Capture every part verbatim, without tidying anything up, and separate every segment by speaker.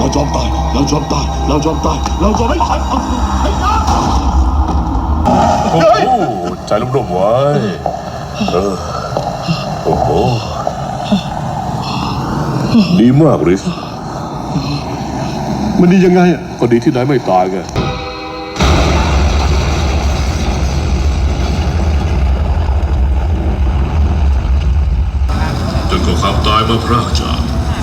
Speaker 1: จอมตายเราจอมตายเราจอมตายเราจอมไม่ตายไม่ตาย
Speaker 2: โอ้โหใจร่มๆไว้เออโอ้โหดีมากริส
Speaker 1: มันดียังไงอ่ะ
Speaker 2: ก็ดีที่นายไม่ตายไงจนก็ความตายมาพรากจาก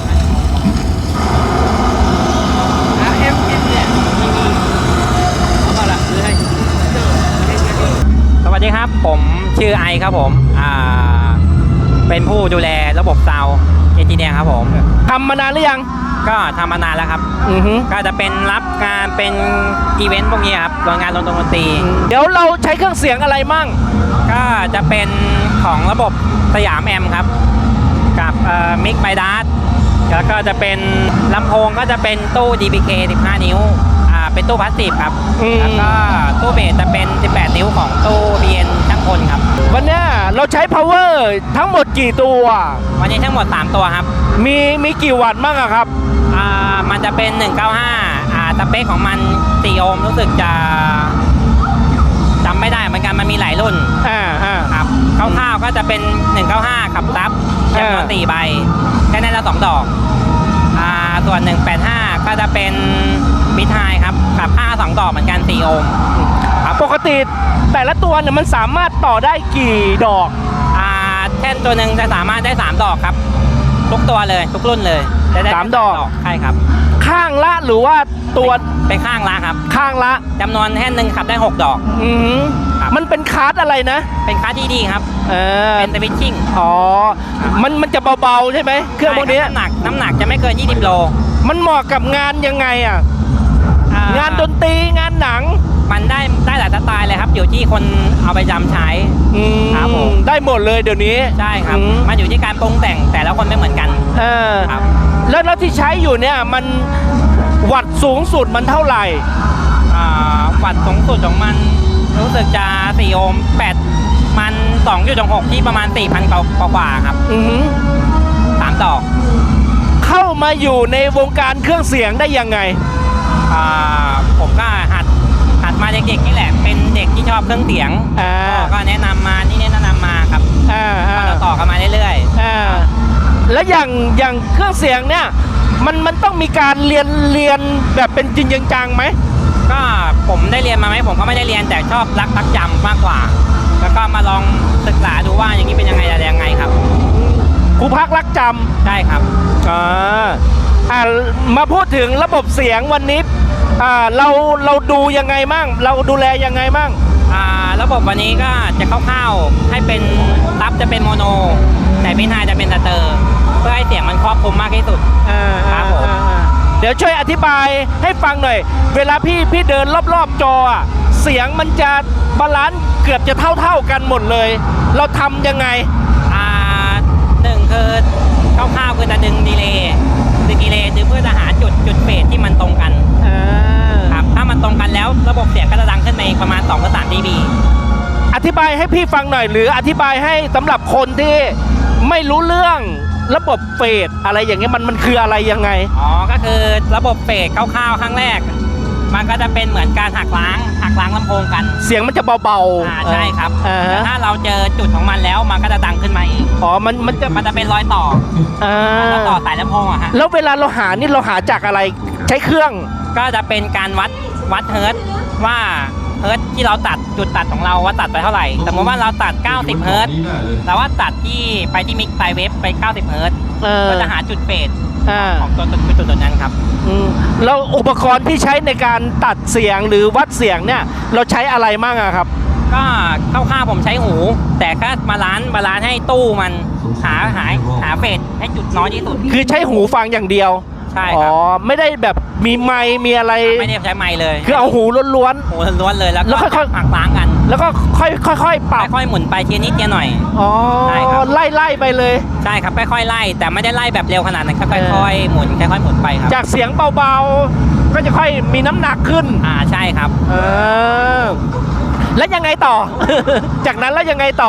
Speaker 3: สวัสดีครับผมชื่อไอครับผมอ่าเป็นผู้ดูแลระบบซาวด์เอนจิเนียร์ครับผมทำมานานหรือยังก็ทำมานานแล้วครับอือฮึก็จะเป็นรับงานเป็นอีเวนต์พวกนี้ครับโรงงานดนตรีเดี๋ยวเราใช้เครื่องเสียงอะไรมั่งก็จะเป็นของระบบสยามแอมครับกับเอ่อมิกไบดัสแล้วก็จะเป็นลำโพงก็จะเป็นตู้ ดี พี เค สิบห้า นิ้วอ่าเป็นตู้พลาสติกครับแล้วก็ตู้เบสจะเป็นสิบแปดนิ้วของตู้ บี เอ็น ช่างพลครับวันนี้เราใช้ power ทั้งหมดกี่ตัววันนี้ทั้งหมดสามตัวครับมีมีกี่วัตต์บ้างอะครับอ่ามันจะเป็นหนึ่งเก้าห้าอ่าสเปคของมันสี่โอห์มรู้สึกจะจำไม่ได้เหมือนกันมันมีหลายรุ่นอ่าอ่าครับคร่าวๆก็จะเป็นหนึ่งเก้าห้าขับซับจำนวนสี่ใบแค่นั้นละสองดอกอ่าส่วนหนึ่งแปดห้าก็จะเป็นมิดไฮครับขับห้าสองดอกเหมือนกันสี่โอห์มปกติแต่ละตัวเนี่ยมันสามารถต่อได้กี่ดอกอ่าแท่นตัวหนึ่งจะสามารถได้สามดอกครับทุกตัวเลยทุกรุ่นเลยสามดอกใช่ครับข้างละหรือว่าตัวเป็นข้างละครับข้างละจำนวนแท่นหนึ่งขับได้หกดอกอืมมันเป็นคาร์ดอะไรนะเป็นคาร์ดที่ดีครับเออเป็นสวิตชิ่งอ๋อมันมันจะเบาๆใช่ไหมเครื่องพวกนี้น้ำหนักน้ำหนักจะไม่เกินยี่สิบโลมันเหมาะกับงานยังไงอ่ะงานดนตรีงานหนังมันได้ได้หลายสไตล์เลยครับอยู่ที่คนเอาไปจำใช้ครับผมได้หมดเลยเดี๋ยวนี้ใช่ครับมันอยู่ที่การปรุงแต่งแต่ละคนไม่เหมือนกันเออครับแล้วแล้วที่ใช้อยู่เนี่ยมันวัตต์สูงสุดมันเท่าไหร่อ่าวัตต์สูงสุดของมันรู้สึกจะสี่โอห์มแปดมันสองจุดหกที่ประมาณสี่พันกว่าครับอือสามดอกเข้ามาอยู่ในวงการเครื่องเสียงได้ยังไงอ่าผมก็หัดหัดมาเด็กๆนี่แหละเป็นเด็กที่ชอบเครื่องเสียงอ่าก็แนะนำมานี่แนะนำมาครับอ่าก็ต่อกันมาเรื่อยๆอ่าแล้วอย่างอย่างเครื่องเสียงเนี่ยมันมันต้องมีการเรียนเรียนแบบเป็นจริงจังไหมก็ผมได้เรียนมาไหมผมก็ไม่ได้เรียนแต่ชอบรักรักจำมากกว่าแล้วก็มาลองศึกษาดูว่าอย่างนี้เป็นยังไงอะไรยังไงครับครูพักรักจำใช่ครับอ่าอ่ามาพูดถึงระบบเสียงวันนี้อ่าเราเราดูยังไงมั่งเราดูแลยังไงมั่งอ่าระบบวันนี้ก็จะคร่าวๆให้เป็นซับจะเป็นโมโนแต่มิดไฮจะเป็นสเตอร์เพื่อให้เสียงมันครอบคลุมมากที่สุดครับผมเดี๋ยวช่วยอธิบายให้ฟังหน่อยเวลาพี่พี่เดินรอบๆจอเสียงมันจะบาลานซ์เกือบจะเท่าๆกันหมดเลยเราทำยังไงอ่าหนึ่งคือคร่าวๆคือจะดึงดีเลย์ดึงดีเลย์ดึงเพื่อจะหาจุดจุดเฟสที่มันตรงกันครับถ้ามันตรงกันแล้วระบบเสียงก็จะดังขึ้นในประมาณสองถึงสาม ดี บี อธิบายให้พี่ฟังหน่อยหรืออธิบายให้สำหรับคนที่ไม่รู้เรื่องระบบเฟสอะไรอย่างเงี้ยมันมันคืออะไรยังไงอ๋อก็คือระบบเฟสคร่าวๆครั้งแรกมันก็จะเป็นเหมือนการหักล้างหักล้างลำโพงกันเสียงมันจะเบาๆอ่าใช่ครับแต่ถ้าเราเจอจุดของมันแล้วมันก็จะดังขึ้นมาเองอ๋อมันมันจะมันจะเป็นรอยต่ออ่าต่อสายลำโพงอะฮะแล้วเวลาเราหานี่เราหาจากอะไรใช้เครื่องก็จะเป็นการวัดวัดเฮิร์ตว่าเฮิร์ตที่เราตัดจุดตัดของเราว่าตัดไปเท่าไหร่สมมติว่าเราตัดเก้าสิบเฮิร์ตแต่ว่าตัดที่ไปที่มิกไซเวฟไปเก้าสิบเฮิร์ตก็จะหาจุดเฟสของตัวตัวตัวนั้นครับแล้วอุปกรณ์ที่ใช้ในการตัดเสียงหรือวัดเสียงเนี่ยเราใช้อะไรมั่งอะครับก็คร่าวๆผมใช้หูแต่ก็บาลานซ์บาลานซ์ให้ตู้มันหาหาหาเฟสให้จุดน้อยที่สุดคือใช้หูฟังอย่างเดียวใช่ครับอ๋อไม่ได้แบบมีไมค์มีอะไรไม่ได้ใช้ไมค์เลยคือเอาหูล้วนๆหูล้วนๆเลยแล้วก็ค่อยๆหักล้างกันแล้วก็ค่อยค่อยๆปรับค่อยๆหมุนไปทีนิดทีหน่อยอ๋อใช่ครับไล่ไล่ไปเลยใช่ครับค่อยๆไล่แต่ไม่ได้ไล่แบบเร็วขนาดนั้นค่อยๆหมุนค่อยๆหมุนไปครับจากเสียงเบาๆก็จะค่อยมีน้ำหนักขึ้นอ่าใช่ครับเออแล้วยังไงต่อ จากนั้นแล้วยังไงต่อ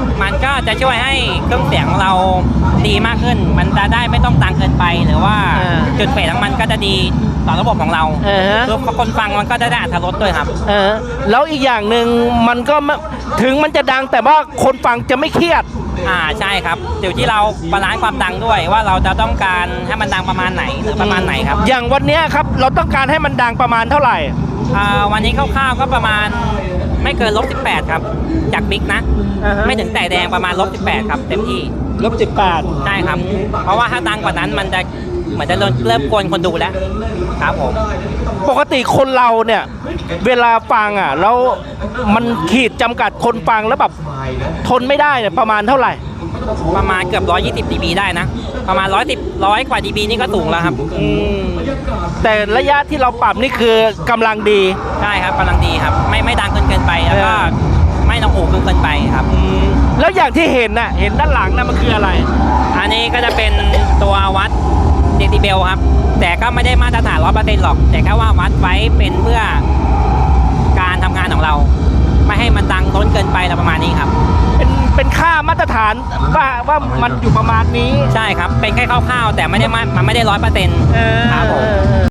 Speaker 3: มันก็จะช่วยให้เครื่องเสียงเราดีมากขึ้น มันจะได้ไม่ต้องดังเกินไปหรือว่า
Speaker 4: อ่า
Speaker 3: จุดเฟสของมันก็จะดีต่อระบบของเรา
Speaker 4: อ่าฮะ
Speaker 3: คือคนฟังมันก็จะได้อรรถรสด้วยครับ
Speaker 4: เออแล้วอีกอย่างหนึ่งมันก็ไม่ถึงมันจะดังแต่ว่าคนฟังจะไม่เครียด
Speaker 3: อ่าใช่ครับอยู่ที่เราบาลานซ์ความดังด้วยว่าเราจะต้องการให้มันดังประมาณไหนหรือประมาณไหนครับ
Speaker 4: อย่างวันเนี้ยครับเราต้องการให้มันดังประมาณเท่าไหร่
Speaker 3: อ่าวันนี้คร่าวๆก็ประมาณไม่เกินลบสิบแปดครับจากบิ๊กนะ
Speaker 4: อ่าฮะ
Speaker 3: ไม่ถึงแต่แดงประมาณลบสิบแปดครับเต็มที่
Speaker 4: ลบสิบแปด
Speaker 3: ใช่ครับ เพราะว่าถ้าดังกว่านั้นมันจะเหมือนจะเริ่มเริ่มกวนคนดูแล้วครับผม
Speaker 4: ปกติคนเราเนี่ย เวลาฟังอ่ะแล้วมันขีดจำกัดคนฟังแล้วแบบทนไม่ได้เนี่ยประมาณเท่าไหร่
Speaker 3: ประมาณเกือบร้อยยี่สิบดีบีได้นะ ประมาณร้อยสิบร้อยกว่าดีบีนี่ก็สูงแล้วครับ
Speaker 4: อืมแต่ระยะที่เราปรับนี่คือกำลังดี
Speaker 3: ใช่ครับกำลังดีครับ ไม่ไม่ดังเกินเกินไปแล้วก็
Speaker 4: เออ
Speaker 3: ไม่ต้องหูเกินเกินไปครับ
Speaker 4: แล้วอย่างที่เห็นน่ะเห็นด้านหลังน่ะมันคืออะไร
Speaker 3: อันนี้ก็จะเป็นตัววัดเดซิเบลครับ แต่ก็ไม่ได้มาตรฐานร้อยเปอร์เซ็นต์หรอก แต่แค่ว่าวัดไว้เป็นเพื่อการทำงานของเรา ไม่ให้มันดังล้นเกินไปอะไรประมาณนี้ครับ
Speaker 4: เป็นเป็นค่ามาตรฐานว่าว่ามันอยู่ประมาณนี้
Speaker 3: ใช่ครับ เป็นแค่คร่าวๆแต่ไม่ได้มามันไม่ได้ร้อยเปอร์เซ็นต์ครับผม